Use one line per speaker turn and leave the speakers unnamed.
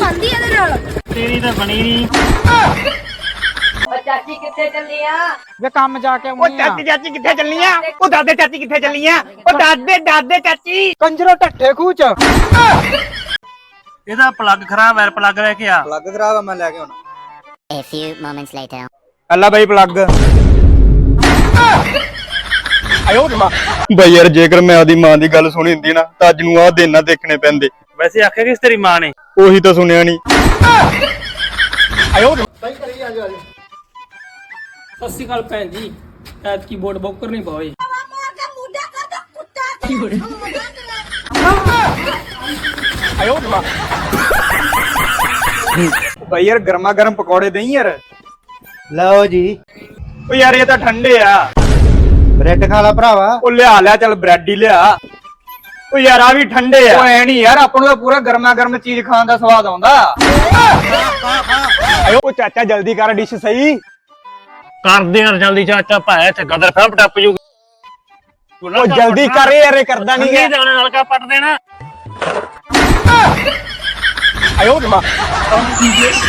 ਬਣਦੀ ਇਹਦੇ ਨਾਲ।
ਤੇਰੀ ਤਾਂ ਬਣੀ ਨਹੀਂ।
ਚਾਚੀ ਕਿੱਥੇ ਚੱਲੀ ਆ?
ਵੇ ਕੰਮ ਜਾ ਕੇ
ਉਹ ਚਾਚੀ ਕਿੱਥੇ ਚੱਲੀਆਂ? ਉਹ ਦਾਦੇ ਚਾਚੀ ਕਿੱਥੇ ਚੱਲੀਆਂ? ਉਹ ਦਾਦੇ ਚਾਚੀ।
ਕੰਜਰੋ ਢੱਠੇ ਖੂਚ।
ਇਹਦਾ ਪਲੱਗ ਖਰਾਬ ਹੈ, ਪਲੱਗ ਲੈ ਕੇ ਆ।
ਪਲੱਗ ਖਰਾਬ ਆ, ਮੈਂ ਲੈ ਕੇ ਆਉਣਾ।
A few moments later.
ਅੱਲਾ ਬਾਈ ਪਲੱਗ।
ਆਇਓ ਮਾਂ।
ਬਈ ਯਾਰ ਜੇਕਰ ਮੈਂ ਆਦੀ ਮਾਂ ਦੀ ਗੱਲ ਸੁਣੀ ਹੁੰਦੀ ਨਾ ਤਾਂ ਅੱਜ ਨੂੰ ਆਹ ਦਿਨ ਨਾ ਦੇਖਣੇ ਪੈਂਦੇ।
ਵੈਸੇ ਆਖਿਆ ਕਿਸ ਤੇਰੀ ਮਾਂ ਨੇ?
ਉਹੀ ਤਾਂ ਸੁਣਿਆ ਨਹੀਂ।
ਆਇਓ
ਸਤਿ ਸ਼੍ਰੀ ਅਕਾਲ ਭੈਣ ਜੀ, ਐਤਕੀ ਵੋਟ ਬੌਕਰ ਨਹੀਂ ਪਾਏ।
ਆਇਓ ਮਾਂ।
ਬਈ ਯਾਰ ਗਰਮਾ ਗਰਮ ਪਕੌੜੇ ਦੇਈ ਯਾਰ।
ਲਓ ਜੀ
ਓ ਯਾਰ ਇਹ ਤਾਂ ਠੰਡੇ ਆ।
ਬ੍ਰੈਡ ਖਾ ਲਾ ਭਰਾਵਾ।
ਉਹ ਲਿਆ ਚੱਲ ਬ੍ਰੈਡ ਹੀ ਲਿਆ। ਓ ਯਾਰ ਆ ਵੀ ਠੰਡੇ ਆ। ਓ ਐ ਨਹੀਂ ਯਾਰ, ਆਪਾਂ ਨੂੰ ਤਾਂ ਪੂਰਾ ਗਰਮਾ ਗਰਮ ਚੀਜ਼ ਖਾਣ ਦਾ ਸਵਾਦ ਆਉਂਦਾ। ਆਇਓ ਓ ਚਾਚਾ ਜਲਦੀ ਕਰ ਡਿਸ਼ ਸਹੀ।
ਕਰਦੇ ਯਾਰ ਜਲਦੀ ਚਾਚਾ, ਭਾਇਆ ਇੱਥੇ ਗਦਰ ਫੈਂਪ ਟੱਪ ਜੂ।
ਓ ਜਲਦੀ ਕਰ ਯਾਰ, ਇਹ ਕਰਦਾ ਨਹੀਂ
ਨਹੀਂ ਜਾਣੇ ਨਾਲ ਕਾ ਪੱਟ ਦੇਣਾ।
ਆਇਓ ਮਾਂ।